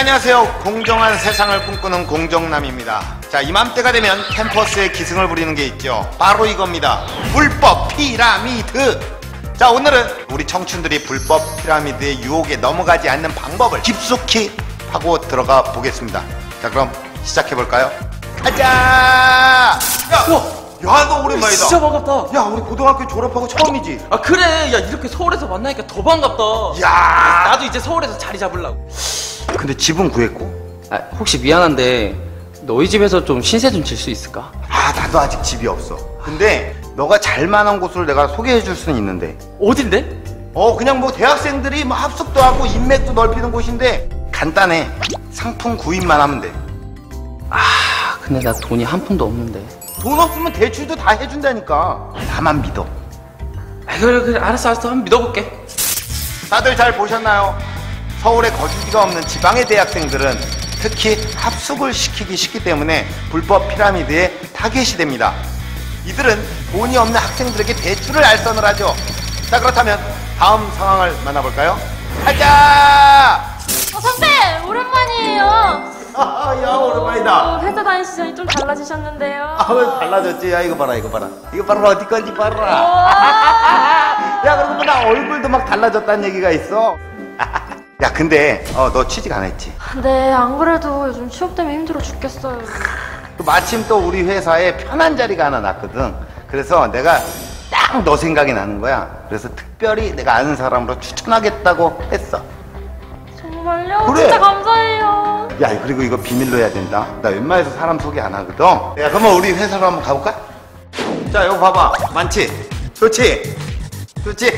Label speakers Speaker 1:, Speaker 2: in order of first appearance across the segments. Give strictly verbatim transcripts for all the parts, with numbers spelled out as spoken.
Speaker 1: 네, 안녕하세요. 공정한 세상을 꿈꾸는 공정남입니다. 자, 이맘때가 되면 캠퍼스에 기승을 부리는 게 있죠. 바로 이겁니다. 불법 피라미드. 자, 오늘은 우리 청춘들이 불법 피라미드의 유혹에 넘어가지 않는 방법을 깊숙이 파고 들어가 보겠습니다. 자, 그럼 시작해볼까요? 가자! 야! 야, 너 오랜만이다.
Speaker 2: 진짜 반갑다.
Speaker 1: 야, 우리 고등학교 졸업하고 처음이지?
Speaker 2: 아, 그래. 야, 이렇게 서울에서 만나니까 더 반갑다.
Speaker 1: 야!
Speaker 2: 나도 이제 서울에서 자리 잡으려고.
Speaker 1: 근데 집은 구했고?
Speaker 2: 아, 혹시 미안한데 너희 집에서 좀 신세 좀 질 수 있을까?
Speaker 1: 아, 나도 아직 집이 없어. 근데 너가 잘만한 곳을 내가 소개해 줄 수는 있는데.
Speaker 2: 어딘데?
Speaker 1: 어, 그냥 뭐 대학생들이 뭐 합숙도 하고 인맥도 넓히는 곳인데 간단해. 상품 구입만 하면 돼.
Speaker 2: 아, 근데 나 돈이 한 푼도 없는데.
Speaker 1: 돈 없으면 대출도 다 해준다니까. 나만 믿어.
Speaker 2: 아, 그래 그래 알았어 알았어 한번 믿어볼게.
Speaker 1: 다들 잘 보셨나요? 서울에 거주지가 없는 지방의 대학생들은 특히 합숙을 시키기 쉽기 때문에 불법 피라미드에 타겟이 됩니다. 이들은 돈이 없는 학생들에게 대출을 알선을 하죠. 자, 그렇다면 다음 상황을 만나볼까요? 가자!
Speaker 3: 어, 선배! 오랜만이에요.
Speaker 1: 아, 야, 오랜만이다.
Speaker 3: 어, 회사 다니시더니 좀 달라지셨는데요.
Speaker 1: 아, 왜 달라졌지? 야, 이거 봐라, 이거 봐라. 이거 봐라, 어디 건지 봐라.
Speaker 3: 와.
Speaker 1: 야, 그리고 나 얼굴도 막 달라졌다는 얘기가 있어. 야, 근데 어, 너 취직 안 했지?
Speaker 3: 네, 안 그래도 요즘 취업 때문에 힘들어 죽겠어요.
Speaker 1: 또 마침 또 우리 회사에 편한 자리가 하나 났거든. 그래서 내가 딱 너 생각이 나는 거야. 그래서 특별히 내가 아는 사람으로 추천하겠다고 했어.
Speaker 3: 정말요?
Speaker 1: 그래.
Speaker 3: 진짜 감사해요.
Speaker 1: 야, 그리고 이거 비밀로 해야 된다. 나 웬만해서 사람 소개 안 하거든. 야, 그러면 우리 회사로 한번 가볼까? 자, 이거 봐봐. 많지? 좋지? 좋지?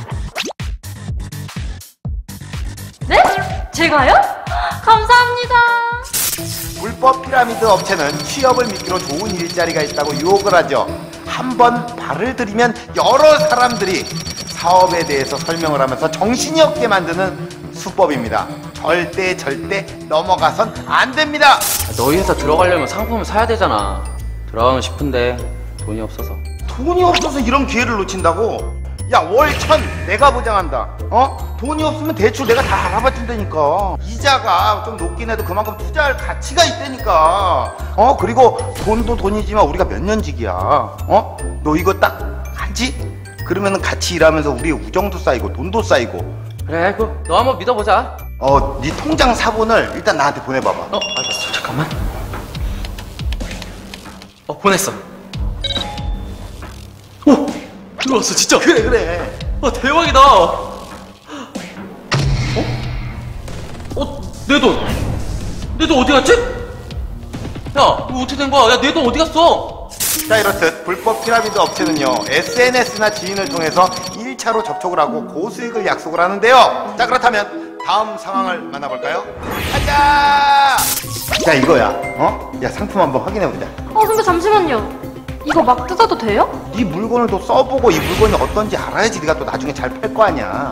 Speaker 3: 네? 제가요? 감사합니다.
Speaker 1: 불법 피라미드 업체는 취업을 미끼로 좋은 일자리가 있다고 유혹을 하죠. 한 번 발을 들이면 여러 사람들이 사업에 대해서 설명을 하면서 정신이 없게 만드는 수법입니다. 절대 절대 넘어가선 안 됩니다.
Speaker 2: 아, 너희 회사 들어가려면 상품을 사야 되잖아. 들어가고 싶은데 돈이 없어서.
Speaker 1: 돈이 없어서 이런 기회를 놓친다고? 야, 월 천 내가 보장한다. 어? 돈이 없으면 대출 내가 다 알아봐 준다니까. 이자가 좀 높긴 해도 그만큼 투자할 가치가 있다니까. 어? 그리고 돈도 돈이지만 우리가 몇 년직이야. 어? 너 이거 딱 하지? 그러면 같이 일하면서 우리의 우정도 쌓이고 돈도 쌓이고.
Speaker 2: 그래, 그 너 한번 믿어보자.
Speaker 1: 어, 네 통장 사본을 일단 나한테 보내봐봐.
Speaker 2: 어, 알았어. 잠깐만. 어, 보냈어. 오, 들어왔어 진짜.
Speaker 1: 그래, 그래.
Speaker 2: 아, 대박이다. 어? 어? 내 돈. 내 돈 어디 갔지? 야, 이거 어떻게 된 거야? 야, 내 돈 어디 갔어?
Speaker 1: 자, 이렇듯 불법 피라미드 업체는요, 에스엔에스나 지인을 통해서 일 차로 접촉을 하고 고수익을 약속을 하는데요. 자, 그렇다면 다음 상황을 만나볼까요? 가자! 자, 이거야. 어? 야, 상품 한번 확인해보자.
Speaker 3: 어, 선배 잠시만요. 이거 막 뜯어도 돼요?
Speaker 1: 네 물건을 또 써보고 이 물건이 어떤지 알아야지 네가 또 나중에 잘 팔 거 아니야.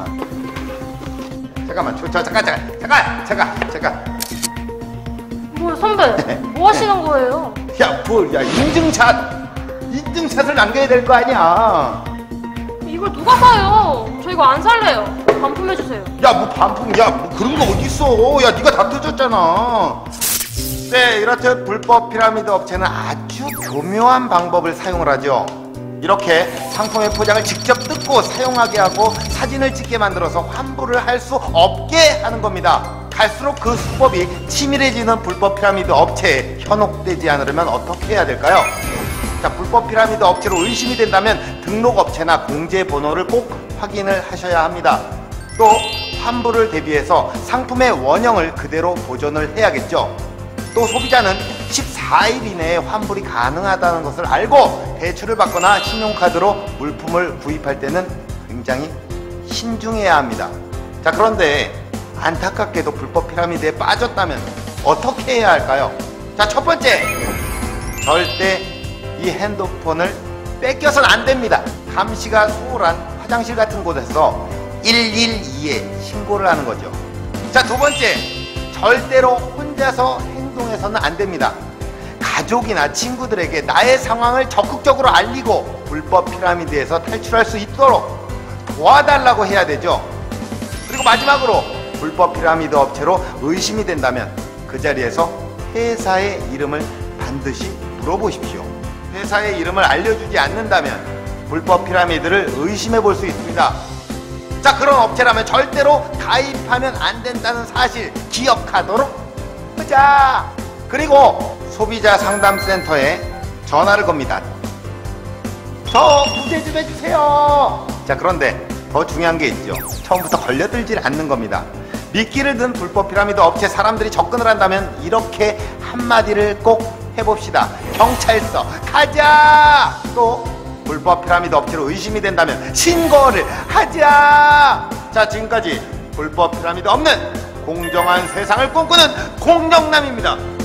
Speaker 1: 잠깐만, 저, 저, 잠깐, 잠깐, 잠깐, 잠깐, 잠깐.
Speaker 3: 뭐야, 선배? 뭐 하시는 거예요?
Speaker 1: 야, 뭘, 야, 인증샷! 인증샷을 남겨야 될 거 아니야.
Speaker 3: 이걸 누가 사요? 저 이거 안 살래요. 반품해주세요.
Speaker 1: 야, 뭐 반품, 야, 뭐 그런 거 어딨어. 야, 네가 다 뜯었잖아. 네, 이렇듯 불법 피라미드 업체는 아주 교묘한 방법을 사용을 하죠. 이렇게 상품의 포장을 직접 뜯고 사용하게 하고 사진을 찍게 만들어서 환불을 할 수 없게 하는 겁니다. 갈수록 그 수법이 치밀해지는 불법 피라미드 업체에 현혹되지 않으려면 어떻게 해야 될까요? 자, 불법 피라미드 업체로 의심이 된다면 등록 업체나 공제 번호를 꼭 확인을 하셔야 합니다. 또 환불을 대비해서 상품의 원형을 그대로 보존을 해야겠죠. 또 소비자는 십사 일 이내에 환불이 가능하다는 것을 알고 대출을 받거나 신용카드로 물품을 구입할 때는 굉장히 신중해야 합니다. 자, 그런데 안타깝게도 불법 피라미드에 빠졌다면 어떻게 해야 할까요? 자, 첫 번째, 절대 이 핸드폰을 뺏겨서는 안 됩니다. 감시가 수월한 화장실 같은 곳에서 일일이에 신고를 하는 거죠. 자, 두 번째, 절대로 혼자서 행동해서는 안 됩니다. 가족이나 친구들에게 나의 상황을 적극적으로 알리고 불법 피라미드에서 탈출할 수 있도록 도와달라고 해야 되죠. 그리고 마지막으로 불법 피라미드 업체로 의심이 된다면 그 자리에서 회사의 이름을 반드시 물어보십시오. 회사의 이름을 알려주지 않는다면 불법 피라미드를 의심해 볼 수 있습니다. 자, 그런 업체라면 절대로 가입하면 안 된다는 사실 기억하도록 하자. 그리고 소비자 상담센터에 전화를 겁니다. 저 구제 좀 해주세요. 자, 그런데 더 중요한 게 있죠. 처음부터 걸려들질 않는 겁니다. 미끼를 든 불법 피라미드 업체 사람들이 접근을 한다면 이렇게 한마디를 꼭 해봅시다. 경찰서 가자. 또 불법 피라미드 업체로 의심이 된다면 신고를 하자. 자, 지금까지 불법 피라미드 없는 공정한 세상을 꿈꾸는 공정남입니다.